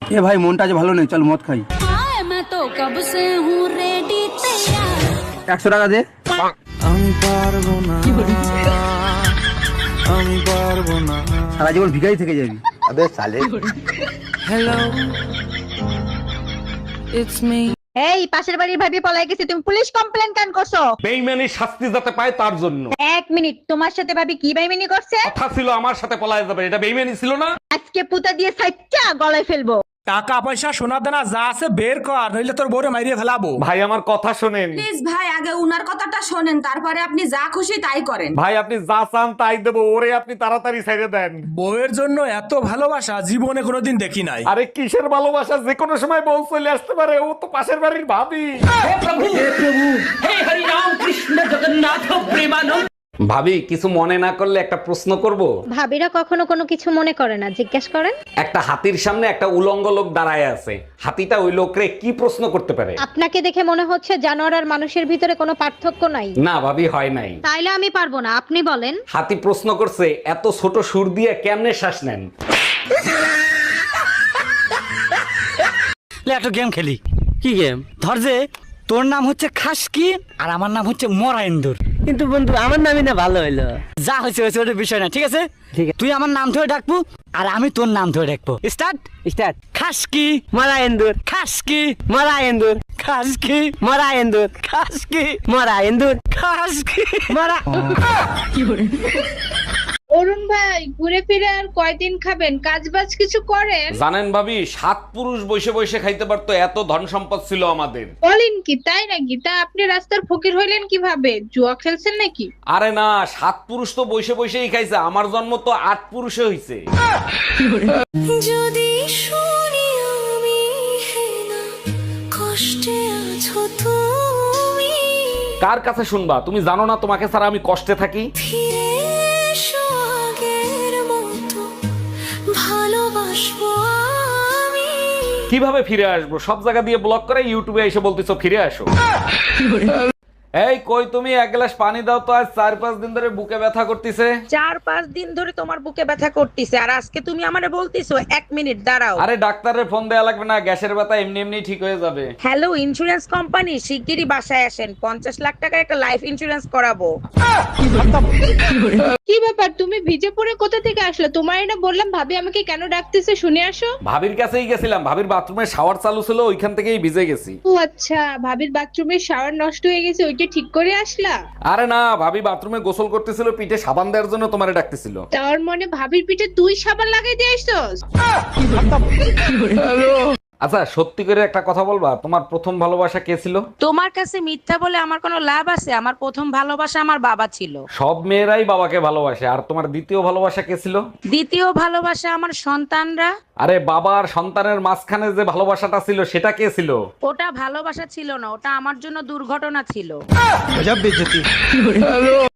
এ ভাই মনটা আজ ভালো নেই, চল মদ খাই। 100 টাকা দে। আমি পারবো না, আমি পারবো না। সারা জীবন ভিখারি থেকে যাবি। আবে সালে। Hello, it's me. এই পাশের বাড়ির ভাবি পলাই গেছে, তুমি পুলিশ কমপ্লেন কেন করছো? বেইমানি শাস্তি যাতে পায় তার জন্য। এক মিনিট, তোমার সাথে ভাবি কি বেইমানি করছে? কথা ছিল আমার সাথে পলায় যাবে, এটা বেইমানি ছিল না? আজকে পুতা দিয়ে সাইচ্চা গলায় ফেলবো। টাকা পয়সা সোনা দানা যা আছে বের কর, নইলে তোর বউরে মাইরিয়ে ফেলাবো। ভাই আমার কথা শোনেন। প্লিজ ভাই, আগে উনার কথাটা শোনেন, তারপরে আপনি যা খুশি তাই করেন। ভাই আপনি যা চান তাই দেবো, ওরে আপনি তাড়াতাড়ি ছেড়ে দেন। বউয়ের জন্য এত ভালোবাসা জীবনে কোনোদিন দেখি নাই। আরে কিসের ভালোবাসা, যে কোনো সময় বউ চলে আসতে পারে, ও তো পাশের বাড়ির ভাবি। ভাবি কিছু মনে না করলে একটা প্রশ্ন করব? ভাবিরা কখনো কোনো কিছু মনে করে না, জিজ্ঞেস করেন। একটা হাতির সামনে একটা উলঙ্গ লোক দাঁড়ায় আছে, হাতিটা ওই লোকরে কি প্রশ্ন করতে পারে? আপনাকে দেখে মনে হচ্ছে জানোয়ার আর মানুষের ভিতরে কোনো পার্থক্য নাই। না ভাবি, হয় নাই। তাইলে আমি পারবো না, আপনি বলেন। হাতি প্রশ্ন করছে, এত ছোট সুর দিয়ে কেমনে শ্বাস নেন? একটা গেম খেলি। কি গেম? ধর যে তোর নাম হচ্ছে খাসকি আর আমার নাম হচ্ছে মরাইন্দুর। কিন্তু বন্ধু আমার নামই না ভালো হইলো। যা হয়েছে হয়েছে, ওটা বিষয় না, ঠিক আছে? তুই আমার নাম ধরে ডাকবো আর আমি তোর নাম ধরে ডাকবো। Start start. খাসকি মরা এন্দুর, খাসকি মরা এন্দুর, খাসকি মরা এন্দুর, খাসকি মরা এন্দুর, খাসকি মরা। অরুণ ভাই, ঘুরে ফিরে আর কয়দিন খাবেন? কাজ বাজ কিছু করেন? জানেন ভাবি, 7 পুরুষ বসে বসে খাইতে পারতো, এত ধন সম্পদ ছিল আমাদের। বলেন কি, তাই নাকি? তা আপনি রাস্তার ফকির হইলেন কিভাবে? জুয়া খেলছেন নাকি? আরে না, 7 পুরুষ তো বসে বসেই খাইছে, আমার জন্ম তো 8 পুরুষে হইছে। যদি শুনি আমি হেনা কষ্টে আছো তুমি, কার কাছে শুনবা? তুমি জানো না তোমাকে ছাড়া আমি কষ্টে থাকি? ফিরে এসো আগের মতো, ভালোবাসবো আমি। কিভাবে ফিরে আসবো? সব জায়গা দিয়ে ব্লক করে ইউটিউবে এসে বলতেছো ফিরে আসো। এই কই তুমি, এক গ্লাস পানি দাও তো, আজ 4-5 দিন ধরে বুকে ব্যথা করতেছে। 4-5 দিন ধরে তোমার বুকে ব্যথা করতেছে, আর আজকে তুমি আমারে বলতিছো 1 মিনিট দাঁড়াও। আরে ডাক্তারের ফোন দেয়া লাগবে না, গ্যাসের ব্যথা এমনি এমনি ঠিক হয়ে যাবে। হ্যালো ইন্স্যুরেন্স কোম্পানি, শিগগিরই বাসায় আসেন, 50 লাখ টাকার একটা লাইফ ইন্স্যুরেন্স করাবো। কি ব্যাপার, তুমি ভিজে পড়ে কোথা থেকে আসলে? তোমার না বললাম ভাবি আমাকে কেন ডাকতেছে, শুনে আসো। ভাবির কাছেই গেছিলাম, ভাবির বাথরুমে শাওয়ার চালু ছিল, ওইখান থেকেই ভিজে গেছি। ও আচ্ছা, ভাবির বাথরুমের শাওয়ার নষ্ট হয়ে গেছে, ওইটা ঠিক করে আসলা? আরে না, ভাবি বাথরুমে গোসল করতেছিল, পিঠে সাবান দেওয়ার জন্য তোমারে ডাকতেছিল। তার মানে ভাবির পিঠে তুই সাবান লাগাই দিয়ে আসছস? আচ্ছা সত্যি করে একটা কথা বলবা, তোমার প্রথম ভালোবাসা কে ছিল? তোমার কাছে মিথ্যা বলে আমার কোনো লাভ আছে? আমার প্রথম ভালোবাসা আমার বাবা ছিল। সব মেয়েরাই বাবাকে ভালোবাসে। আর তোমার দ্বিতীয় ভালোবাসা কে ছিল? দ্বিতীয় ভালোবাসা আমার সন্তানরা। আরে বাবা আর সন্তানের মাঝখানে যে ভালোবাসাটা ছিল সেটা কে ছিল? ওটা ভালোবাসা ছিল না, ওটা আমার জন্য দুর্ঘটনা ছিল।